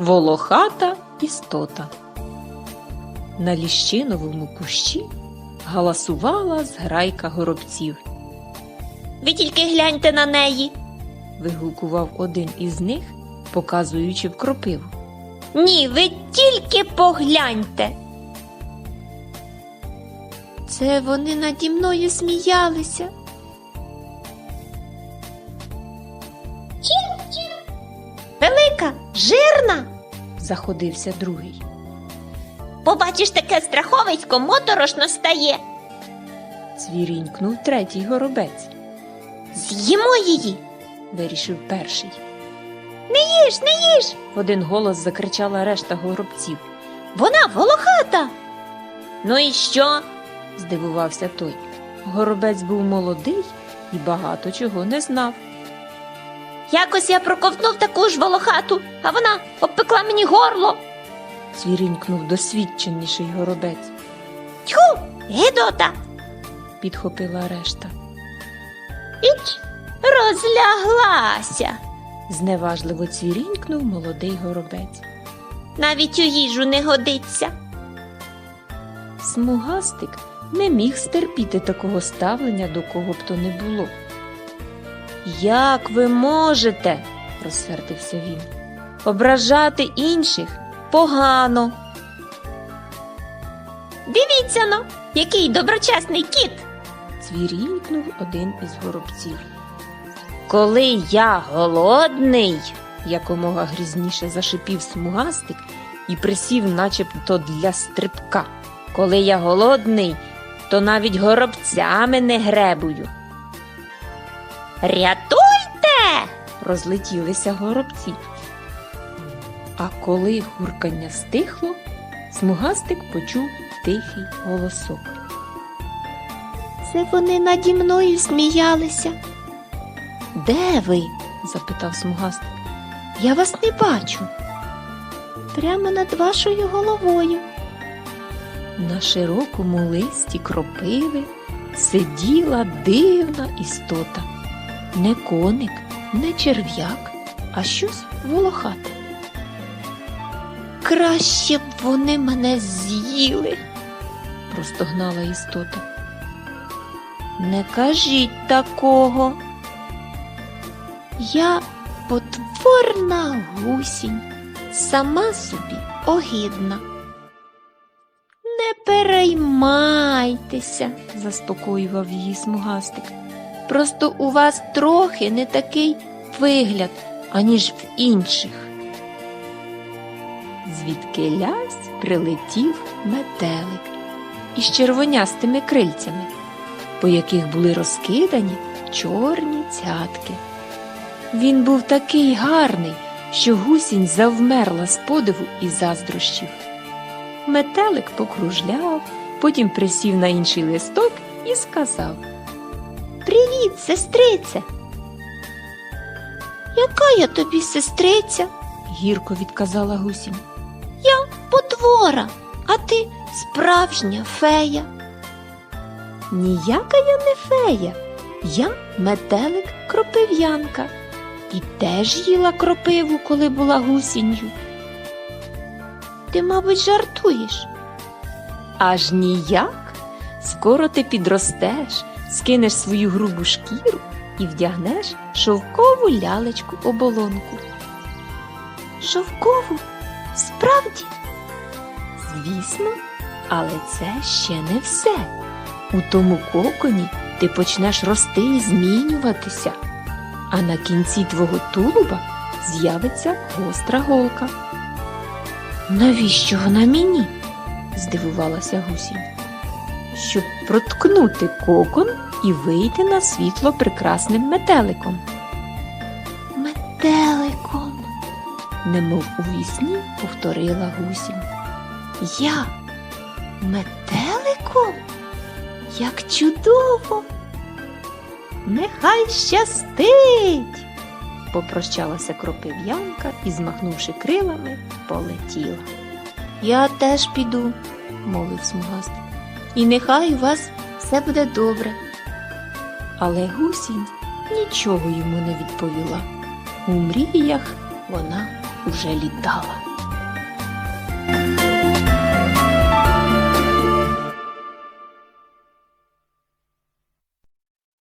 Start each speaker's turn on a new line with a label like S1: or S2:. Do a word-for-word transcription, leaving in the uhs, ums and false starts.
S1: Волохата істота. На ліщиновому кущі галасувала зграйка горобців.
S2: Ви тільки гляньте на неї.
S1: Вигукував один із них, показуючи в кропиву.
S2: Ні, ви тільки погляньте. Це вони наді мною сміялися. Чір-чір. Велика, жирна.
S1: Заходився другий.
S2: Побачиш таке страховисько, моторошно стає.
S1: Цвірінькнув третій горобець.
S2: З'їмо її.
S1: Вирішив перший.
S2: Не їж, не їж.
S1: В один голос закричала решта горобців.
S2: Вона волохата. Ну і що?
S1: Здивувався той. Горобець був молодий і багато чого не знав.
S2: Якось я проковтнув таку ж волохату, а вона обпекла мені горло.
S1: Цвірінькнув досвідченіший горобець.
S2: Тьху, гидота.
S1: Підхопила решта.
S2: Іч, розляглася.
S1: Зневажливо цвірінькнув молодий горобець.
S2: Навіть у їжу не годиться.
S1: Смугастик не міг стерпіти такого ставлення, до кого б то не було. «Як ви можете, – розсердився він, – ображати інших погано?»
S2: Дивіться но, який доброчесний кіт.
S1: Цвірінькнув один із горобців.
S2: Коли я голодний,
S1: Якомога грізніше зашипів смугастик і присів начебто для стрибка.
S2: коли я голодний, то навіть горобцями не гребую. Рятуйте!
S1: Розлетілися горобці. А коли гуркання стихло, смугастик почув тихий голосок.
S2: Це вони наді мною сміялися.
S1: «Де ви?» – запитав смугастик.
S2: Я вас не бачу. Прямо над вашою головою.
S1: На широкому листі кропиви сиділа дивна істота. Не коник, не черв'як, а щось волохате.
S2: Краще б вони мене з'їли,
S1: Простогнала істота.
S2: не кажіть такого. Я потворна гусінь, сама собі огидна. Не переймайтеся,
S1: Заспокоював її смугастик.
S2: просто у вас трохи не такий вигляд, аніж в інших.
S1: Звідкилясь прилетів метелик із червонястими крильцями, по яких були розкидані чорні цятки. Він був такий гарний, що гусінь завмерла з подиву і заздрощів. Метелик покружляв, потім присів на інший листок і сказав:
S2: Привіт, сестрице. Яка я тобі сестриця?
S1: Гірко відказала гусінь.
S2: Я потвора, а ти справжня фея.
S1: Ніяка я не фея, я метелик-кропив'янка і теж їла кропиву, коли була гусінню.
S2: Ти, мабуть, жартуєш.
S1: Аж ніяк. Скоро ти підростеш, скинеш свою грубу шкіру і вдягнеш шовкову лялечку-оболонку.
S2: Шовкову? Справді?
S1: Звісно, але це ще не все. У тому коконі ти почнеш рости і змінюватися, а на кінці твого тулуба з'явиться гостра голка.
S2: Навіщо вона мені?
S1: Здивувалася гусінь. Щоб проткнути кокон і вийти на світло прекрасним метеликом.
S2: Метеликом.
S1: Немов у вісні повторила гусінь.
S2: Я метеликом? Як чудово!
S1: Нехай щастить! Попрощалася кропив'янка і, змахнувши крилами, полетіла.
S2: Я теж піду,
S1: Мовив смугастик.
S2: і нехай у вас все буде добре.
S1: Але гусінь нічого йому не відповіла. У мріях вона уже літала.